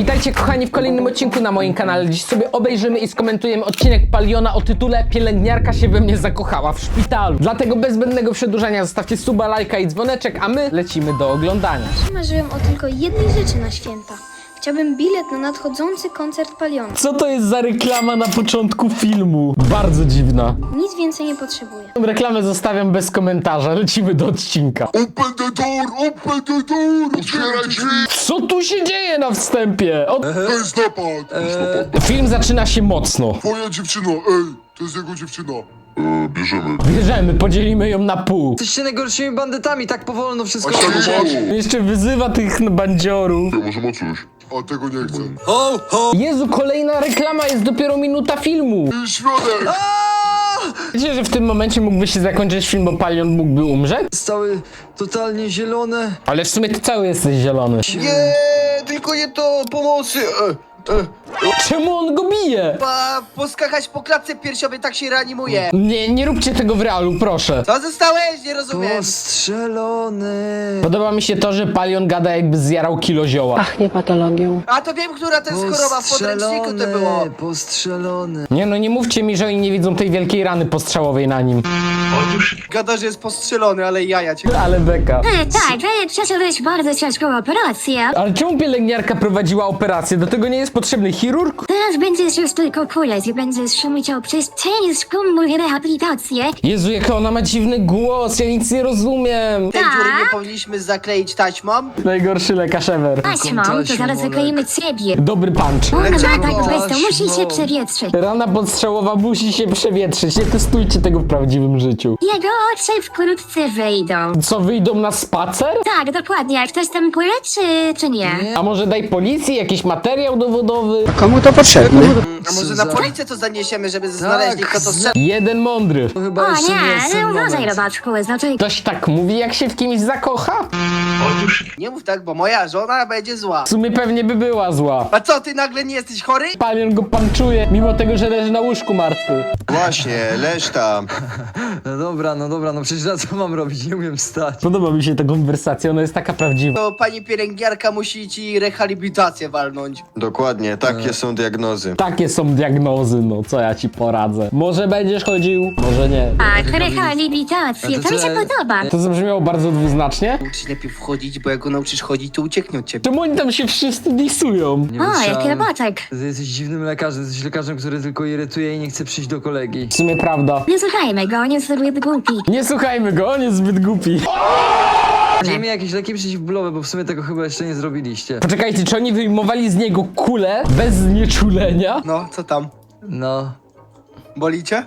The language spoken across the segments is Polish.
Witajcie kochani w kolejnym odcinku na moim kanale. Dziś sobie obejrzymy i skomentujemy odcinek Paliona o tytule Pielęgniarka się we mnie zakochała w szpitalu. Dlatego bez zbędnego przedłużania zostawcie suba, lajka i dzwoneczek, a my lecimy do oglądania. Marzyłem o tylko jednej rzeczy na święta. Chciałbym bilet na nadchodzący koncert Paliona. Co to jest za reklama na początku filmu? Bardzo dziwna. Nic więcej nie potrzebuję. Reklamę zostawiam bez komentarza, lecimy do odcinka. Open the door, otwieraj drzwi! Co tu się dzieje na wstępie? To jest napad! Film zaczyna się mocno. Twoja dziewczyna, to jest jego dziewczyna. Bierzemy. Bierzemy, podzielimy ją na pół. Jesteście najgorszymi bandytami, tak powolno wszystko A czego robicie. masz? Jeszcze wyzywa tych bandziorów. Może ma coś. A tego nie chcę. Ho, ho! Jezu, kolejna reklama, jest dopiero minuta filmu. Środek! Wiecie, że w tym momencie mógłby się zakończyć film, bo Palion mógłby umrzeć? Stały totalnie zielone. Ale w sumie ty cały jesteś zielony. Nie, tylko nie to, pomocy! Czemu on go bije? Poskakać po klatce piersiowej, tak się reanimuje. Nie róbcie tego w realu, proszę. Co zostałeś? Nie rozumiem. Postrzelony. Podoba mi się to, że Palion gada, jakby zjarał kilo zioła. Pachnie patologią. A to wiem, która to jest choroba, w podręczniku to było. Postrzelony. Nie no, nie mówcie mi, że oni nie widzą tej wielkiej rany postrzałowej na nim. Gada, że jest postrzelony, ale jaja cię. Ale beka. Tak, przeżyłeś bardzo ciężką operację. Ale czemu pielęgniarka prowadziła operację? Do tego nie jest potrzebny chirurg? Teraz będziesz już tylko kuleć i będziesz musiał przez ciężką rehabilitację. Jezu, jaka ona ma dziwny głos, ja nic nie rozumiem. Ten dziury nie powinniśmy zakleić taśmą. Najgorszy lekarz ever. Taśmą, to zaraz zakleimy ciebie. Dobry punch. Ona ma Dlaczego? tak bez to musi się Taśmą. przewietrzyć. Rana podstrzałowa musi się przewietrzyć, nie testujcie tego w prawdziwym życiu. Jego oczy wkrótce wyjdą. Co, wyjdą na spacer? Tak, dokładnie. Jak ktoś tam kule, czy nie? A może daj policji jakiś materiał dowodowy? Komu to potrzebne? A może na policję to zaniesiemy, żeby znaleźli kto to strzelił? Jeden mądry. To chyba O jeszcze nie, jest ten uważaj moment. robaczku, znaczy... Ktoś tak mówi, jak się w kimś zakocha? Nie mów tak, bo moja żona będzie zła. W sumie pewnie by była zła. A co, ty nagle nie jesteś chory? Palion go panczuje, mimo tego, że leży na łóżku martwy. Właśnie, leż tam. No dobra, no przecież na co mam robić? Nie umiem wstać. Podoba mi się ta konwersacja, ona jest taka prawdziwa. To pani pielęgniarka musi ci rehabilitację walnąć. Dokładnie, takie są diagnozy. Takie są diagnozy, no co ja ci poradzę. Może będziesz chodził, może nie. Tak, rehabilitację, to mi się podoba. To zabrzmiało bardzo dwuznacznie. Uczyć lepiej wchodzić, bo jak go nauczysz chodzić, to ucieknie od ciebie. Czemu oni tam się wszyscy disują? Nie O, jaki wytrzymałem. robaczek. Ty jesteś dziwnym lekarzem, jesteś lekarzem, który tylko irytuje i nie chce przyjść do kolegi. W sumie prawda. Nie słuchajmy go, on jest zbyt głupi. Nie słuchajmy go, on jest zbyt głupi. Dajmy jakieś leki przeciwbólowe, bo w sumie tego chyba jeszcze nie zrobiliście. Poczekajcie, czy oni wyjmowali z niego kulę bez znieczulenia? No, co tam? No, Boli cię?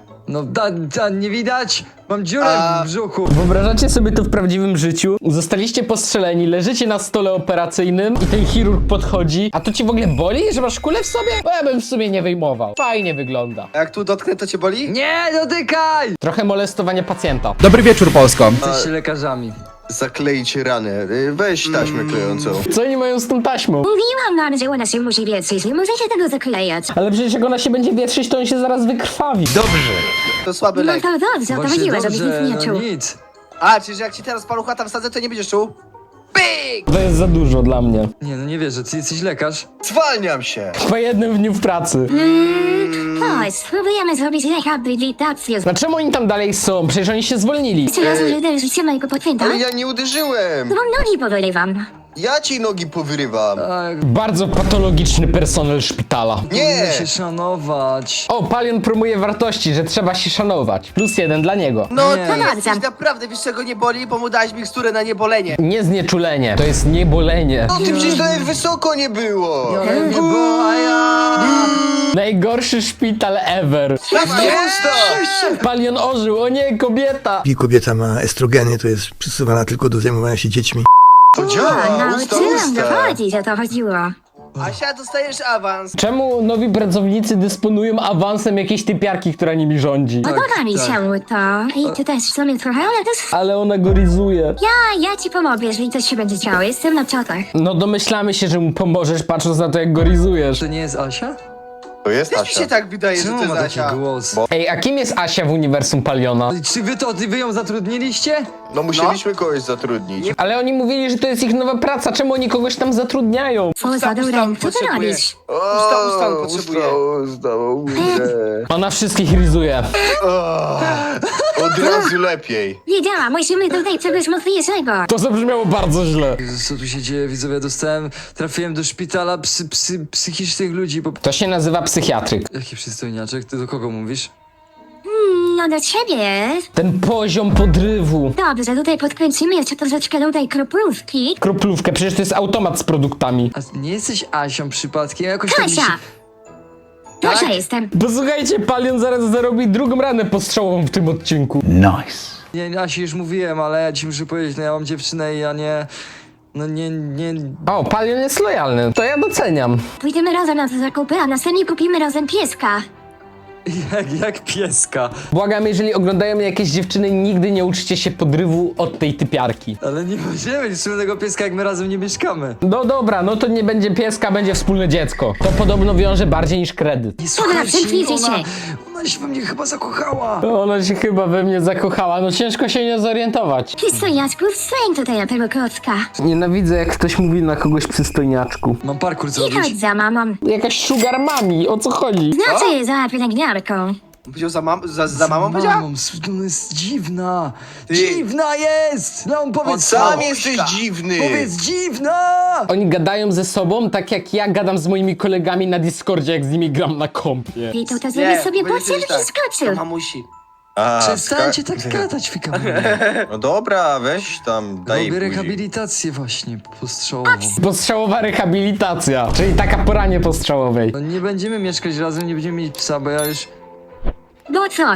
nie widać! Mam dziurę w brzuchu. Wyobrażacie sobie to w prawdziwym życiu? Zostaliście postrzeleni, leżycie na stole operacyjnym i ten chirurg podchodzi. A to ci w ogóle boli, że masz kulę w sobie? Bo ja bym w sumie nie wyjmował. Fajnie wygląda. A jak tu dotknę, to cię boli? Nie dotykaj! Trochę molestowanie pacjenta. Dobry wieczór, Polsko. Jesteście lekarzami. Zaklejcie ranę. Weź taśmę klejącą. Co oni mają z tą taśmą? Mówiłam wam, że ona się musi wietrzyć, nie możecie tego zaklejać. Ale przecież jak ona się będzie wietrzyć, to on się zaraz wykrwawi. To słaby No lek. to dobrze, o to Właśnie chodziło, żebyś nic nie no czuł. nic. A, czyli że jak ci teraz palucha tam wsadzę, to nie będziesz czuł? Pyk! To jest za dużo dla mnie. Nie, no nie wierzę, ty jesteś lekarz? Zwalniam się. Po jednym dniu w pracy. Chodź, spróbujemy zrobić rehabilitację. No czemu oni tam dalej są? Przecież oni się zwolnili. Jeszcze raz użyłem życie mojego pacjenta. Ale ja nie uderzyłem. To wam nogi powyrywam. Ja ci nogi powyrywam. Tak, Bardzo patologiczny personel szpitala. Nie. powinno się szanować. O, Palion promuje wartości, że trzeba się szanować. +1 dla niego. No, Nie. ty jesteś naprawdę, wiesz czego nie boli, bo mu dałeś miksturę na niebolenie. Nie znieczulenie, to jest niebolenie. No ty przecież nawet wysoko nie było. Ale nie było, a ja... Najgorszy szpital ever. Pusta. Palion ożył, o nie, kobieta. Jeśli kobieta ma estrogeny, to jest przystosowana tylko do zajmowania się dziećmi. To działa, usta, Nauczyłam usta. dochodzić, o to chodziło. Asia, dostajesz awans. Czemu nowi pracownicy dysponują awansem jakiejś typiarki, która nimi rządzi? Podoba mi tak. się to. I ty też w sumie trochę, ale to jest... Ale ona go rizuje. Ja ci pomogę, jeżeli coś się będzie działo. Jestem na czatach. No domyślamy się, że mu pomożesz, patrząc na to, jak go rizujesz. To nie jest Asia? To jest Też mi się Asia. tak wydaje, że Czemu to jest ma taki Asia. głos? Ej, a kim jest Asia w uniwersum Paliona? Czy wy ją zatrudniliście? No musieliśmy kogoś zatrudnić. Ale oni mówili, że to jest ich nowa praca, czemu oni kogoś tam zatrudniają? Co za dureń, co ty potrzebuję. robisz? Ustan potrzebuję. Ustało. Ona wszystkich rizuje. Od razu lepiej. Wiedziałam, musimy tutaj czegoś mocniejszego. To zabrzmiało bardzo źle. Jezus, co tu się dzieje, widzowie? Trafiłem do szpitala psychicznych ludzi, bo... To się nazywa psychiatryk. Jaki przystojniaczek? Ty do kogo mówisz? No do ciebie. Ten poziom podrywu. Dobrze, tutaj podkręcimy jeszcze troszeczkę tutaj kroplówki. Kroplówkę, przecież to jest automat z produktami. A nie jesteś Asią przypadkiem? Jakoś tak mi się... Kasia! Kasia Tak? jestem. Posłuchajcie, Palion zaraz zarobi drugą ranę postrzałową w tym odcinku. Nie, Asi już mówiłem, ale ja ci muszę powiedzieć, no ja mam dziewczynę i ja nie... No nie... O, Palion jest lojalny, to ja doceniam. Pójdziemy razem na te zakupy, a następnie kupimy razem pieska. Jak pieska. Błagam, jeżeli oglądają mnie jakieś dziewczyny, nigdy nie uczcie się podrywu od tej typiarki. Ale nie możemy mieć wspólnego pieska, jak my razem nie mieszkamy. No dobra, no to nie będzie pieska, będzie wspólne dziecko. To podobno wiąże bardziej niż kredyt. Nie zamknijcie ona się we mnie chyba zakochała. Ona się chyba we mnie zakochała, no ciężko się nie zorientować. Przystojniaczku, wstań tutaj na tego klocka. Nienawidzę, jak ktoś mówi na kogoś przystojniaczku. Mam parkour I zrobić. chodź za mamą. Jakaś sugar mami, o co chodzi? Znaczy je za pielęgniarką. Powiedział za mamą, powiedziała? Ona jest dziwna. Ty. Dziwna jest! No powiedz Sam jesteś dziwny. Powiedz dziwna! Oni gadają ze sobą tak jak ja gadam z moimi kolegami na Discordzie, jak z nimi gram na kompie. I to zrobisz sobie powiedział porcję kiedyś tak. wyskoczył. To mamusi. A, Przestańcie tak gadać, fikam. No dobra, weź tam, daj Robię buzi. rehabilitację właśnie postrzałową. Postrzałowa rehabilitacja, czyli taka poranie postrzałowej. No nie będziemy mieszkać razem, nie będziemy mieć psa, bo ja już... No co?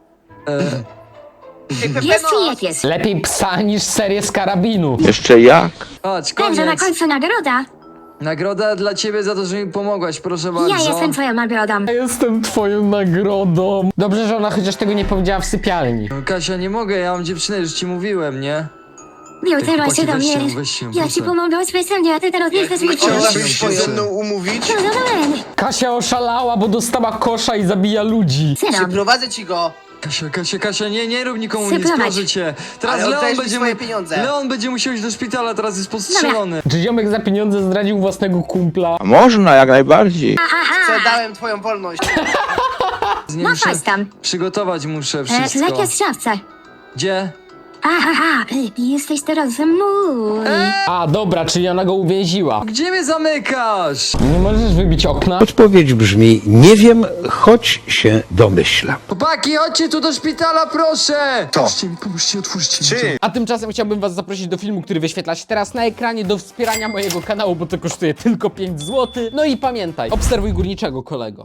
Jest czy jak jest? Lepiej psa niż serię z karabinu. Chodź, Także na koniec. końcu nagroda. Nagroda dla ciebie za to, że mi pomogłaś, proszę bardzo. Ja jestem twoją nagrodą. Ja jestem twoją nagrodą. Dobrze, że ona chociaż tego nie powiedziała w sypialni. No Kasia, nie mogę, ja mam dziewczynę, już ci mówiłem, nie? Miał teraz się do chłopaki, mnie. weź się, Ja ci pomogę specjalnie, a ty teraz nie chcesz mi Chciałabyś się ze mną umówić? No zadałem. Kasia oszalała, bo dostała kosza i zabija ludzi. Synom. Przyprowadzę ci go. Kasia, nie rób nikomu nic, Syplować. proszę cię. Teraz Ale Leon oddajesz mi będzie swoje pieniądze. Leon będzie musiał iść do szpitala, teraz jest postrzelony. Czy ziomek za pieniądze zdradził własnego kumpla? Można, jak najbardziej. Co, dałem twoją wolność. Nie No muszę chodź tam. przygotować muszę Lek wszystko. jest w szafce. Gdzie? Aha, jesteś teraz mój. A, dobra, czyli ona go uwięziła. Gdzie mnie zamykasz? Nie możesz wybić okna? Odpowiedź brzmi, nie wiem, choć się domyślam. Chłopaki, chodźcie tu do szpitala, proszę! Co? Pomóżcie, otwórzcie mi. Czy? A tymczasem chciałbym was zaprosić do filmu, który wyświetla się teraz na ekranie, do wspierania mojego kanału, bo to kosztuje tylko 5 zł. No i pamiętaj, obserwuj górniczego, kolego.